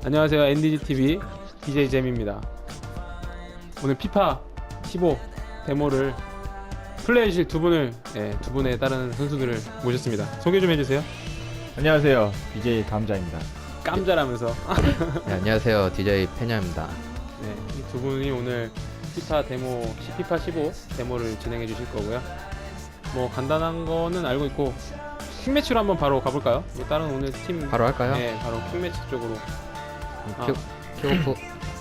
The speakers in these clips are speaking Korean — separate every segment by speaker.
Speaker 1: 안녕하세요. NDGTV BJ잼입니다. 오늘 피파 15 데모를 플레이하실 두 분의 다른 선수들을 모셨습니다. 소개 좀 해주세요.
Speaker 2: 안녕하세요. BJ 감자입니다.
Speaker 1: 깜자라면서.
Speaker 3: 네, 안녕하세요. DJ 페냐입니다.
Speaker 1: 네, 이 두 분이 오늘 피파 15 데모를 진행해 주실 거고요. 뭐 간단한 거는 알고 있고 퀵매치로 한번 바로 가볼까요? 뭐 다른 오늘 팀
Speaker 3: 바로 할까요?
Speaker 1: 네, 바로 퀵매치 쪽으로.
Speaker 3: 킥오프.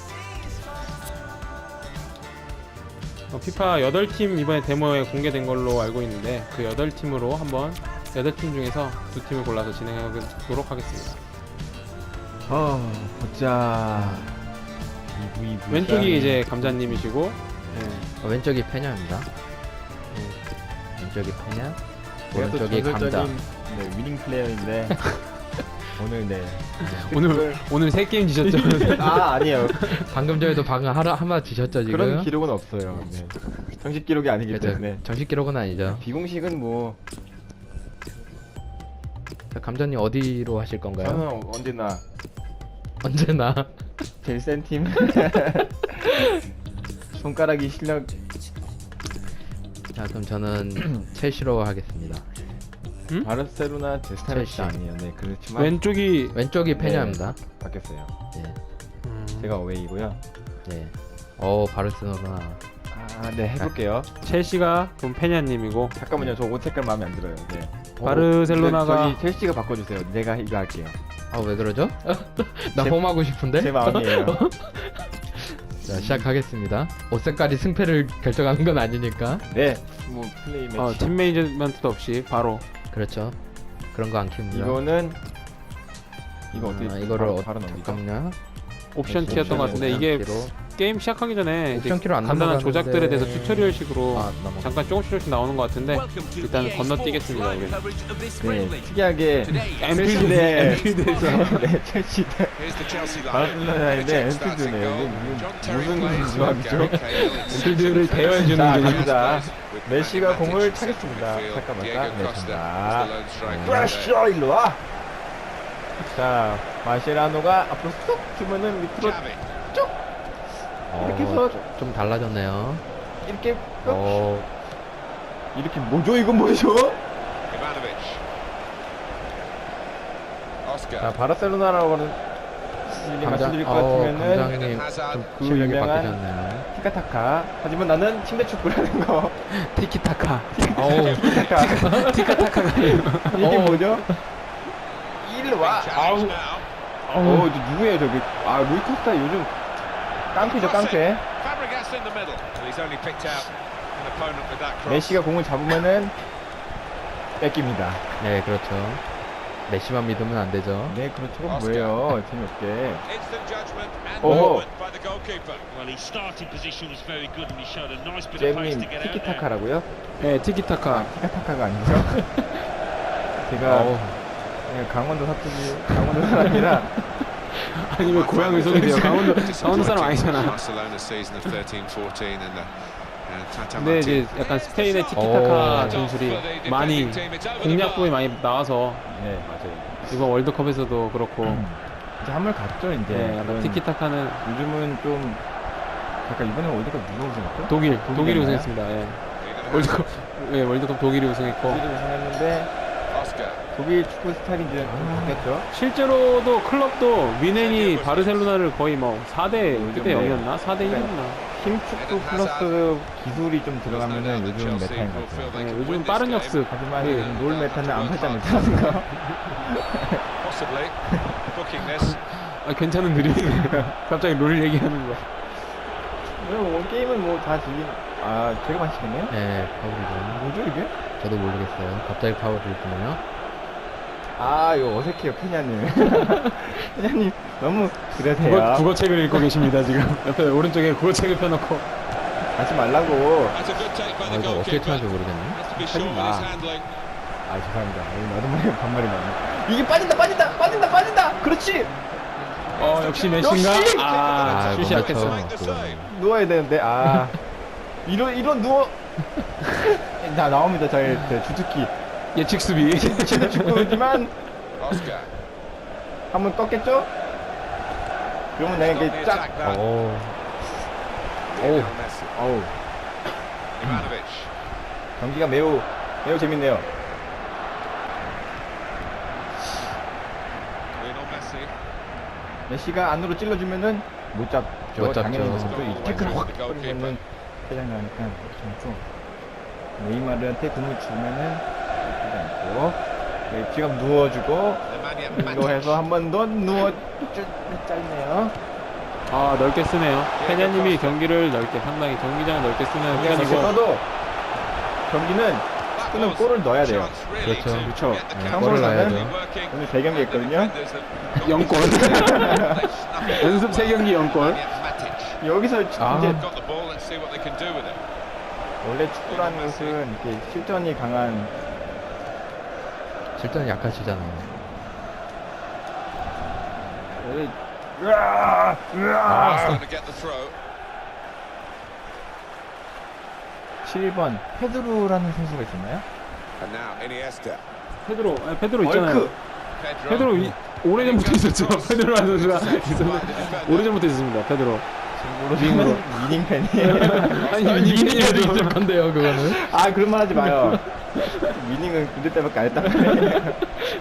Speaker 1: 피파 8팀 이번에 데모에 공개된 걸로 알고 있는데 그 8팀으로 한번 8팀 중에서 두 팀을 골라서 진행하도록 하겠습니다.
Speaker 2: 보자.
Speaker 1: 왼쪽이 이제 감자님이시고
Speaker 3: 왼쪽이 페냐입니다. 왼쪽이 페냐, 오른쪽이 감자.
Speaker 2: 전설적인 위닝 플레이어인데 오늘
Speaker 1: 오늘 3게임 지셨죠?
Speaker 2: 아니에요.
Speaker 3: 방금 전에도 하나 지셨죠 지금?
Speaker 2: 그런 기록은 없어요. 네. 정식 기록이 아니기
Speaker 3: 그렇죠.
Speaker 2: 때문에
Speaker 3: 정식 기록은 아니죠.
Speaker 2: 비공식은 뭐
Speaker 3: 자, 감자님 어디로 하실 건가요?
Speaker 2: 저는 언제나
Speaker 3: 언제나.
Speaker 2: 제일 센 팀. 손가락이 실력.
Speaker 3: 자, 그럼 저는 첼시로 하겠습니다.
Speaker 2: 바르셀로나 제 스타일은
Speaker 3: 첼시.
Speaker 2: 아니에요. 네, 그렇지만
Speaker 3: 왼쪽이 페냐입니다.
Speaker 2: 바뀌었어요.
Speaker 3: 네,
Speaker 2: 제가 어웨이고요.
Speaker 3: 네. 바르셀로나.
Speaker 2: 네, 해볼게요.
Speaker 1: 첼시가 돈 페냐님이고
Speaker 2: 잠깐만요. 저 옷 색깔 마음에 안 들어요. 네.
Speaker 1: 바르셀로나가
Speaker 2: 저기 첼시가 바꿔주세요. 내가 이거 할게요.
Speaker 3: 왜 그러죠? 나
Speaker 2: 제-
Speaker 3: 홈하고 싶은데?
Speaker 2: 제 마음이에요.
Speaker 3: 자, 시작하겠습니다. 옷 색깔이 승패를 결정하는 건 아니니까.
Speaker 2: 네, 뭐 플레이 매치.
Speaker 1: 팀 매니저먼트도 없이 바로
Speaker 3: 그렇죠. 그런 거 안 키웁니다.
Speaker 2: 이거는 이거 어떻게
Speaker 3: 이거를
Speaker 2: 바로 넘기죠?
Speaker 3: 잠깐만요.
Speaker 1: 옵션 키였던 것 같은데 이게 게임 시작하기 전에 이제
Speaker 3: 옵션 키로 안
Speaker 1: 간단한
Speaker 3: 넘어가는데.
Speaker 1: 조작들에 대해서 튜토리얼식으로
Speaker 3: 넘어가.
Speaker 1: 잠깐 조금씩 나오는 것 같은데 일단 건너뛰겠습니다. 우리.
Speaker 2: 네, 특이하게 엔필드에서 네, 첼시 대 바르셀로나인데 엔필드네요. 무슨 조합이죠?
Speaker 1: 엔필드를 대여해주는
Speaker 2: 자,
Speaker 1: 게
Speaker 2: 갑니다. 메시가 공을 차겠습니다. 잠깐만, 네, 간다. 브라쇼 일로 와. 자, 마셰라노가 앞으로 쏙 주면은 밑으로 쭉 이렇게 해서
Speaker 3: 좀 달라졌네요.
Speaker 2: 이렇게 쏙. 이렇게 뭐죠? 이건 뭐죠? 자, 바르셀로나라고는 말씀드릴 것 같으면은
Speaker 3: 감장님 좀
Speaker 2: 그
Speaker 3: 실력이
Speaker 2: 유명한
Speaker 3: 바뀌셨네요.
Speaker 2: 티카타카. 하지만 나는 침대 축구라는 거.
Speaker 1: 티키타카.
Speaker 2: 티카타카.
Speaker 1: 티카타카가
Speaker 2: 이게 뭐죠? 일로 와. 저 누구예요 저기? 루이코스타 요즘 깡패죠, 깡패. 메시가 공을 잡으면은 뺏깁니다.
Speaker 3: 네, 그렇죠. 메시만 믿으면 안 되죠.
Speaker 2: 네, 그렇죠. 뭐예요? 재미없게. 잼님 티키타카라고요?
Speaker 1: 네, 티키타카.
Speaker 2: 티카타카가 아니죠? 제가 그냥 강원도 사투리, 강원도 사람이라.
Speaker 1: 아니 왜 고향을 소개해요? 강원도 사람 아니잖아. 근데 이제 약간 스페인의 티키타카 전술이 많이 공략법이 많이 나와서
Speaker 2: 네, 맞아요.
Speaker 1: 이번 월드컵에서도 그렇고
Speaker 2: 이제 한물 갔죠, 이제.
Speaker 1: 네, 약간
Speaker 2: 그런-
Speaker 1: 티키타카는
Speaker 2: 요즘은 좀 잠깐 이번에 월드컵 누가 우승했죠?
Speaker 1: 독일이
Speaker 2: 독일이었나요?
Speaker 1: 우승했습니다. 월드컵 독일이 우승했고
Speaker 2: 독일이 우승했는데 독일 축구 스타일이 이제 좀 바뀌었죠.
Speaker 1: 실제로도 클럽도 미넨이 바르셀로나를 거의 뭐 4대
Speaker 2: 요즘
Speaker 1: 0이었나? 4대 1이었나?
Speaker 2: 힘축구 플러스 기술이 좀 들어가면은 요즘 메타인 것 같아요.
Speaker 1: 네, 요즘 빠른 역습.
Speaker 2: 하지만
Speaker 1: 네.
Speaker 2: 요즘 롤 메타는 안 팔자 메타라는 거.
Speaker 1: 괜찮은 드립이네요. 갑자기 롤 얘기하는 거.
Speaker 2: 게임은 뭐 다 즐기는. 제가 맛있겠네요?
Speaker 3: 네, 파울이죠.
Speaker 2: 뭐죠 이게?
Speaker 3: 저도 모르겠어요. 갑자기 파울을 주네요.
Speaker 2: 이거 어색해요, 페냐님. 페냐님 너무 그러세요.
Speaker 1: 국어책을 읽고 계십니다 지금. 옆에 오른쪽에 국어책을 펴놓고.
Speaker 2: 하지 말라고.
Speaker 3: 이거 어떻게 타는지 모르겠네.
Speaker 2: 하지 마. 죄송합니다. 나도 모르게 반말이 나네. 이게 빠진다. 그렇지.
Speaker 1: 역시 메시인가?
Speaker 2: 역시!
Speaker 1: 슛이 약했어.
Speaker 3: 그거는.
Speaker 2: 누워야 되는데. 이런 누워. 나옵니다. 저의 주특기.
Speaker 1: 예측 수비.
Speaker 2: 축구지만 한번 꺾겠죠? 그러면 내가 이렇게 쫙.
Speaker 3: 오.
Speaker 2: 어우. 경기가 매우 재밌네요. 메시가 안으로 찔러주면은 못 잡죠.
Speaker 3: 못 잡죠.
Speaker 2: 당연히 못 잡죠. 이 태클 확 버리면은 퇴장 나니까 괜찮고. 네이마르한테 공을 주면은 잡히지 않고. 지금 누워주고 이거 해서 한 번 더 누워 짧네요.
Speaker 1: 아 넓게 쓰네요. 페냐님이 경기를 넓게 상당히 경기장을 넓게 쓰는
Speaker 2: 그냥 이거
Speaker 1: 편이고
Speaker 2: 써도 경기는 축구는 골을 넣어야 돼요.
Speaker 3: 그렇죠.
Speaker 2: 그렇죠.
Speaker 3: 네,
Speaker 2: 참고로
Speaker 3: 골을 넣어야죠.
Speaker 2: 저는 오늘 3경기 했거든요.
Speaker 1: 0골 연습 3경기 0골.
Speaker 2: 여기서
Speaker 3: 아.
Speaker 2: 이제 원래 축구라는 것은 이렇게 실전이 강한
Speaker 3: 실전 약하시잖아요.
Speaker 2: 원래 으아! 으아! 7번 페드로라는 선수가 있었나요?
Speaker 1: 페드로 있잖아요.
Speaker 2: 얼크.
Speaker 1: 페드로 오래전부터 있었죠. 페드로라는 선수가 있었는데 오래전부터 있었습니다. 페드로.
Speaker 2: 모르지만 위닝 팬이에요.
Speaker 1: 아니
Speaker 3: 이민이라도 익숙한데요, 그거는.
Speaker 2: 아 그런 말 하지 마요. 위닝은 군대 때밖에 안 했단 말이에요.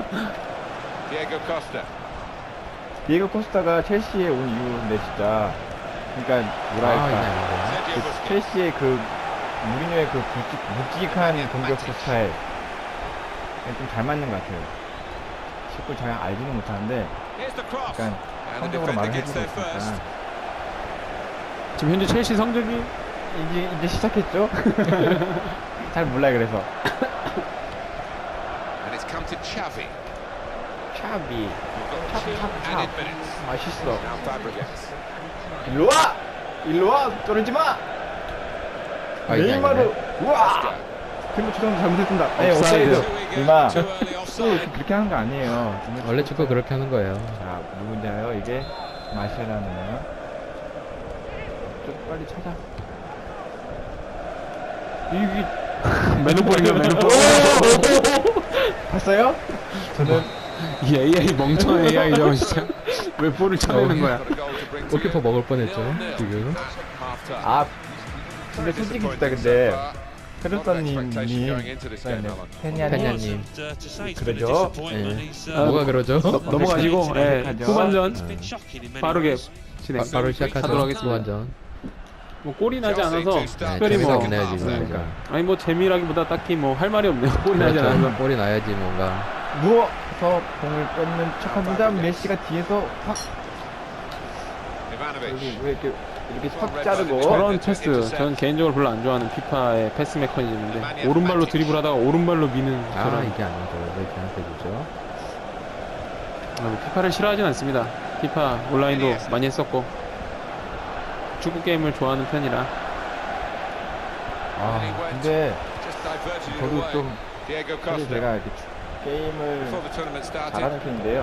Speaker 2: 디에고 코스타가 첼시에 온 이후인데 진짜 그러니까 뭐랄까 그 첼시의 그 무리뉴의 그 묵직한 공격 스타일 좀 잘 맞는 것 같아요. 축구 잘 알지는 못하는데 약간 성적으로 말을 해주고 있으니까
Speaker 1: 지금 현재 첼시 성적이
Speaker 2: 이제 시작했죠? 잘 몰라요 그래서 샤비 맛있어. 일로와 떨어지마. 네이마르 우와. 그리고 죄송합니다 잘못했습니다. 네 옵사이드. 이마 또 그렇게 하는 거 아니에요.
Speaker 3: 원래 축구 그렇게 하는 거예요.
Speaker 2: 자 누군지 알아요? 이게 마시라는 좀 빨리 찾아. 이게
Speaker 1: 매너볼인가 매너볼.
Speaker 2: 봤어요? 저는
Speaker 1: 이 AI 멍청한 AI죠 진짜. 왜 볼을 쳐내는 거야?
Speaker 3: 골키퍼 먹을 뻔했죠, 지금.
Speaker 2: 아 근데 솔직히 진짜 근데 페르사님이
Speaker 3: 페냐님.
Speaker 2: 그러죠?
Speaker 3: 뭐가 그러죠?
Speaker 1: 넘어가시고 예,
Speaker 2: 시작하죠.
Speaker 1: 후반전 빠르게 진행.
Speaker 3: 바로 시작하죠.
Speaker 1: 하도록 하겠습니다.
Speaker 3: 완전.
Speaker 1: 뭐 골이 나지 않아서
Speaker 3: 네,
Speaker 1: 특별히
Speaker 3: 재미가
Speaker 1: 뭐
Speaker 3: 없네요, 지금.
Speaker 2: 그러니까.
Speaker 1: 아니 뭐 재미라기보다 딱히 뭐 할 말이 없네요. 골이 나지
Speaker 3: 그렇죠.
Speaker 1: 않아서.
Speaker 3: 골이 나야지 뭔가.
Speaker 2: 누워서 공을 뺏는 척합니다. 메시가 뒤에서 확 여기 왜 이렇게 확 자르고
Speaker 1: 저런 패스 저는 개인적으로 별로 안 좋아하는 피파의 패스 메커니즘인데 오른발로 드리블하다가 오른발로 미는
Speaker 3: 아,
Speaker 1: 저런
Speaker 3: 이게 아니죠. 왜 걔한테 주죠?
Speaker 1: 피파를 싫어하진 않습니다. 피파 온라인도 많이 했었고 축구 게임을 좋아하는 편이라.
Speaker 2: 아 근데 저도 좀 사실 제가 이렇게 게임을 잘하는 편인데요.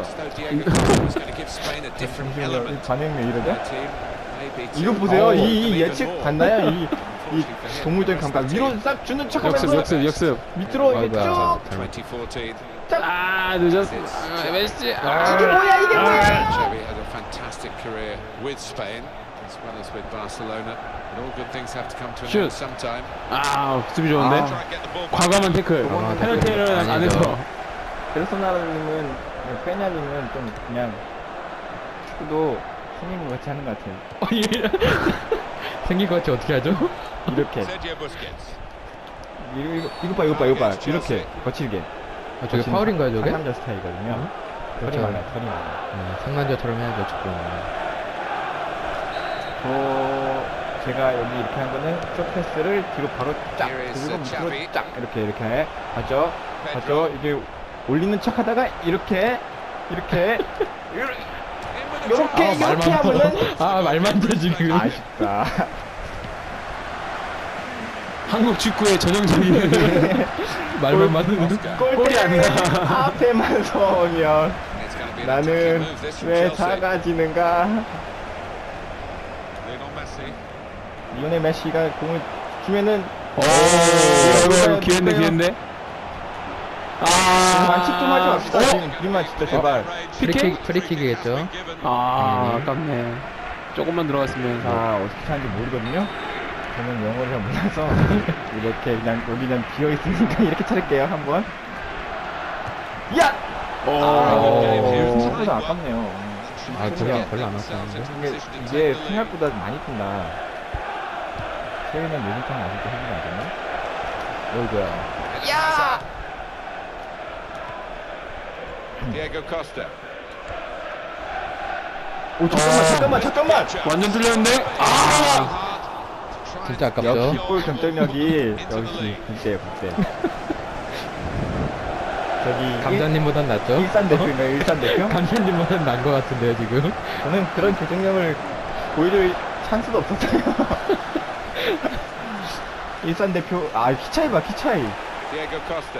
Speaker 2: 잠시만요, 이 반응이 왜 이러죠? 이거 보세요. 이 예측 봤나요? 이 동물적인 감각 위로 싹 주는 척하면서
Speaker 1: 역습
Speaker 2: 밑으로 이게
Speaker 3: 아이고야,
Speaker 2: 쭉
Speaker 3: 잘못.
Speaker 1: 아 늦었어. 메시.
Speaker 2: 이게 뭐야 이게 뭐야?
Speaker 4: Xavi has a fantastic career with Spain as well as with Barcelona. But all good things have to come to an end
Speaker 1: Shoot.
Speaker 4: sometime.
Speaker 1: 아 수비 좋은데.
Speaker 2: 아.
Speaker 4: Try and get the ball back.
Speaker 1: 과감한 태클.
Speaker 2: 아,
Speaker 1: 페널티를
Speaker 3: 아니죠.
Speaker 1: 안해서.
Speaker 2: 베르소나님은 페냐님은 좀 그냥 축구도 손님을 같이 하는 것 같아요.
Speaker 3: 생긴 것 같이 어떻게 하죠?
Speaker 2: 이렇게
Speaker 4: Sergio Busquets.
Speaker 2: 이거 봐 이렇게 거칠게.
Speaker 3: 아, 저게 파울인가요, 저게?
Speaker 2: 상남자 스타일이거든요. 털이
Speaker 3: 그렇죠.
Speaker 2: 말라요, 털이 말라.
Speaker 3: 상남자처럼 해야죠, 축구는.
Speaker 2: 제가 여기 이렇게 한 거는 쇼패스를 뒤로 바로 쫙
Speaker 4: Here is,
Speaker 2: 그리고 밑으로
Speaker 4: Xavi.
Speaker 2: 쫙 이렇게 봤죠? 이게 올리는 척하다가 이렇게 하면은
Speaker 3: 아, 말만 돼, 지금.
Speaker 2: 아쉽다.
Speaker 1: 한국 축구의 전형적인
Speaker 3: 말만 맞는.
Speaker 1: 골이 안 나.
Speaker 2: 앞에만 서면
Speaker 4: It's going to be an attacking
Speaker 2: 나는
Speaker 4: move this from
Speaker 2: 왜
Speaker 4: Chelsea.
Speaker 2: 작아지는가?
Speaker 4: Lionel Messi.
Speaker 2: 리오넬 메시가 공을 주면은
Speaker 1: 오, 기회인데.
Speaker 2: 만칙 좀 하지 맙시다. 지금 우리만 진짜 제발.
Speaker 3: 프리킥이겠죠.
Speaker 1: 아깝네. 조금만 들어갔으면.
Speaker 2: 자, 어떻게 하는지 모르거든요. 저는 영어를 잘 몰라서 이렇게 그냥 여기 그냥 비어 있으니까 이렇게 차릴게요. 한번. 야! 생각보다 아깝네요.
Speaker 3: 아 별로 안 왔었는데.
Speaker 2: 이게 생각보다 많이 뛴다. 세이는 노진탕이 아직도 해주지 않았나? 어이구야.
Speaker 4: Diego Costa.
Speaker 2: 오, 잠깐만.
Speaker 1: 완전 뚫렸는데?
Speaker 3: 진짜 아깝죠.
Speaker 2: 역시 골 경쟁력이 역시 국대예요, 국대. 저기
Speaker 3: 감자님보단 낫죠.
Speaker 2: 일산 대표인가요? 일산 대표?
Speaker 3: 감자님보단 나은 것 같은데요 지금.
Speaker 2: 저는 그런 경쟁력을 보여줄 찬스도 없었어요. 일산 대표, 키 차이 봐, 키 차이.
Speaker 4: Diego Costa.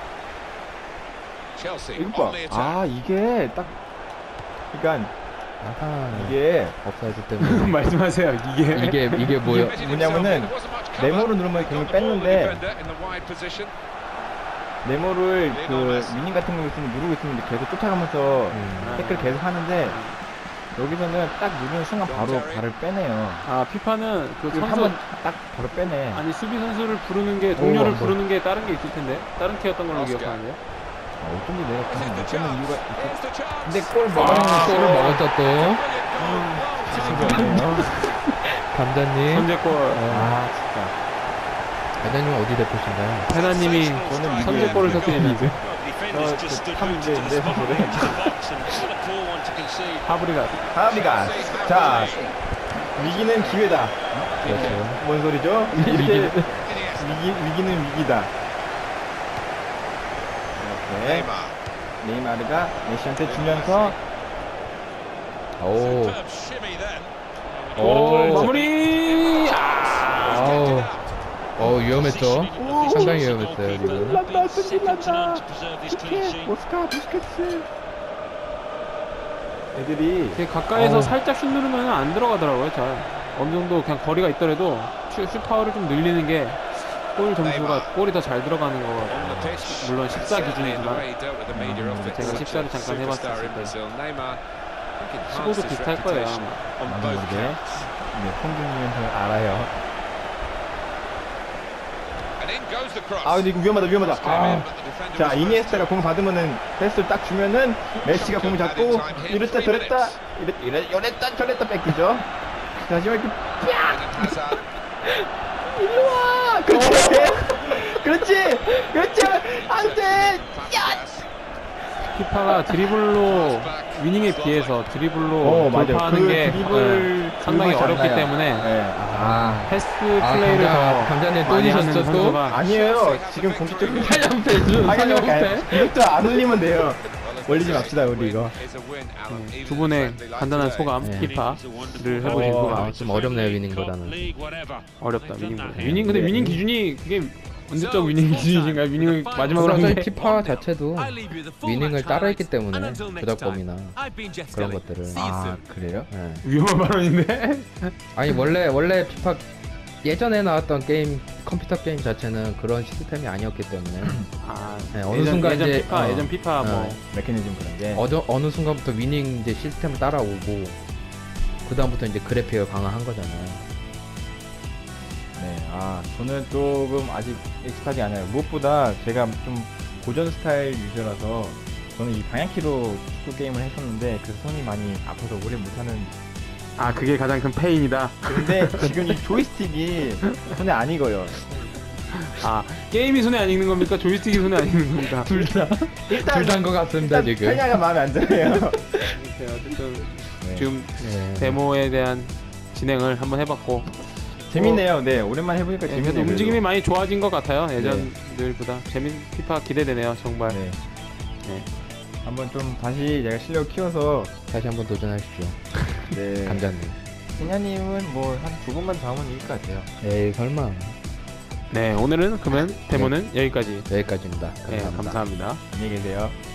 Speaker 4: Chelsea
Speaker 2: 이거
Speaker 4: on
Speaker 2: 봐.
Speaker 4: the attack.
Speaker 2: 이게 딱, 그러니까
Speaker 3: 아하.
Speaker 2: 이게
Speaker 3: 업사이드 때문에.
Speaker 1: 말씀하세요.
Speaker 3: 이게 뭐야?
Speaker 2: 뭐냐면은 네모로 누르면 공을 뺐는데 네모를 그 미닝 같은 거 있으면 누르고 있으면 계속 쫓아가면서 태클 계속 하는데 여기서는 딱 누르는 순간 바로 발을 빼네요.
Speaker 1: 피파는 그 선수
Speaker 2: 한번 딱 바로 빼네.
Speaker 1: 아니 수비 선수를 부르는 게 동료를
Speaker 3: 오,
Speaker 1: 부르는 게 다른 게 있을 텐데 다른 키였던 걸로
Speaker 4: 오스카.
Speaker 1: 기억하는데요.
Speaker 2: 어쩐지 내가 그냥 못 빼는 이유가 있어. 근데
Speaker 4: 근데
Speaker 2: 골 먹었는데
Speaker 3: 골을 먹었죠 또.
Speaker 2: 진짜.
Speaker 3: 감자님.
Speaker 1: 선제골.
Speaker 2: 진짜.
Speaker 3: 감자님 어디 대표신가요?
Speaker 1: 페나님이
Speaker 2: 저는
Speaker 1: 선제골을 터뜨리는
Speaker 2: 탑인데 사실은.
Speaker 1: 하브리가
Speaker 2: 하비가. 자, 위기는 기회다.
Speaker 3: 그렇죠.
Speaker 2: 뭔 소리죠? 이렇게 위기는 위기다. 이렇게 네이마르가 메시한테 주면서
Speaker 3: 오.
Speaker 1: 오 마무리.
Speaker 3: 위험했죠. 상당히 위험했어요 지금.
Speaker 2: 난다 승진난다. 오스카 부스케츠. 애들이
Speaker 1: 되게 가까이서 살짝 슛 누르면 안 들어가더라고요. 잘 어느 정도 그냥 거리가 있더라도 슛 파워를 좀 늘리는 게 골 점수가 골이 더 잘 들어가는 거. 물론 14 기준이지만 제가 14를 잠깐 해봤을 때 15도 비슷할 거예요 아마.
Speaker 2: 나도 모르게 콩준님은 알아요. 근데 이거 위험하다. 자, 이니에스타가 공 받으면은 패스를 딱 주면은 메시가 공을 잡고 이랬다 저랬다 이랬다 저랬다 뺏기죠. 자, 하지만 이렇게 일로와. 그렇지 안돼.
Speaker 1: 피파가 드리블로 위닝에 비해서 드리블로 돌파하는 게 상당히 어렵기 때문에 패스 플레이를 더
Speaker 3: 감자님 또
Speaker 1: 많이 하는
Speaker 3: 지셨죠 또?
Speaker 1: 선수가
Speaker 2: 아니에요. 지금 공식적인
Speaker 3: 하얀패 하얀패.
Speaker 2: 이것도 안 올리면 돼요. 올리지 맙시다 우리 이거.
Speaker 1: 두 분의 간단한 소감
Speaker 3: 네.
Speaker 1: 피파를 해보신 소감.
Speaker 3: 좀 어렵네요 위닝보다는.
Speaker 1: 어렵다 위닝보다. 위닝 근데 위닝 기준이 그게 언제적 위닝 기준이신가요? 위닝을 마지막으로 한
Speaker 3: 어차피
Speaker 1: 게
Speaker 3: 피파 자체도 위닝을 따라했기 때문에 조작범이나 그런 것들을.
Speaker 2: 그래요?
Speaker 3: 네.
Speaker 1: 위험한 발언인데.
Speaker 3: 아니 원래 피파 예전에 나왔던 게임 컴퓨터 게임 자체는 그런 시스템이 아니었기 때문에 네, 어느 순간
Speaker 1: 예전
Speaker 3: 이제
Speaker 1: 피파 예전 피파 뭐
Speaker 2: 메커니즘 그런 게.
Speaker 3: 어느 순간부터 위닝 이제 시스템을 따라오고 그 다음부터 이제 그래픽을 강화한 거잖아요.
Speaker 2: 네, 저는 조금 아직 익숙하지 않아요. 무엇보다 제가 좀 고전 스타일 유저라서 저는 이 방향키로 축구 게임을 했었는데 그래서 손이 많이 아파서 오래 못하는.
Speaker 1: 그게 가장 큰 페인이다.
Speaker 2: 근데 지금 이 조이스틱이 손에 안 익어요.
Speaker 1: 게임이 손에 안 익는 겁니까? 조이스틱이 손에 안 익는 겁니까?
Speaker 3: 둘 다인 것 같습니다 지금.
Speaker 2: 편향가 마음에 안 들어요.
Speaker 1: 어쨌든
Speaker 2: 네.
Speaker 1: 지금
Speaker 3: 네.
Speaker 1: 데모에 대한 진행을 한번 해봤고
Speaker 2: 재밌네요. 네, 오랜만에 해보니까
Speaker 1: 그래도
Speaker 2: 재밌네요.
Speaker 1: 움직임이 많이 좋아진 것 같아요. 예전들보다 피파 기대되네요 정말.
Speaker 2: 네.
Speaker 1: 네.
Speaker 2: 한번 좀 다시 제가 실력 키워서.
Speaker 3: 다시 한번 도전하십시오.
Speaker 2: 네.
Speaker 3: 감자님.
Speaker 2: 승야님은 뭐 한 두 번만 더 하면 이길 것 같아요.
Speaker 3: 에이 설마.
Speaker 1: 네 오늘은 그러면 데모는 여기까지.
Speaker 3: 여기까지입니다.
Speaker 1: 네 감사합니다.
Speaker 2: 안녕히 계세요.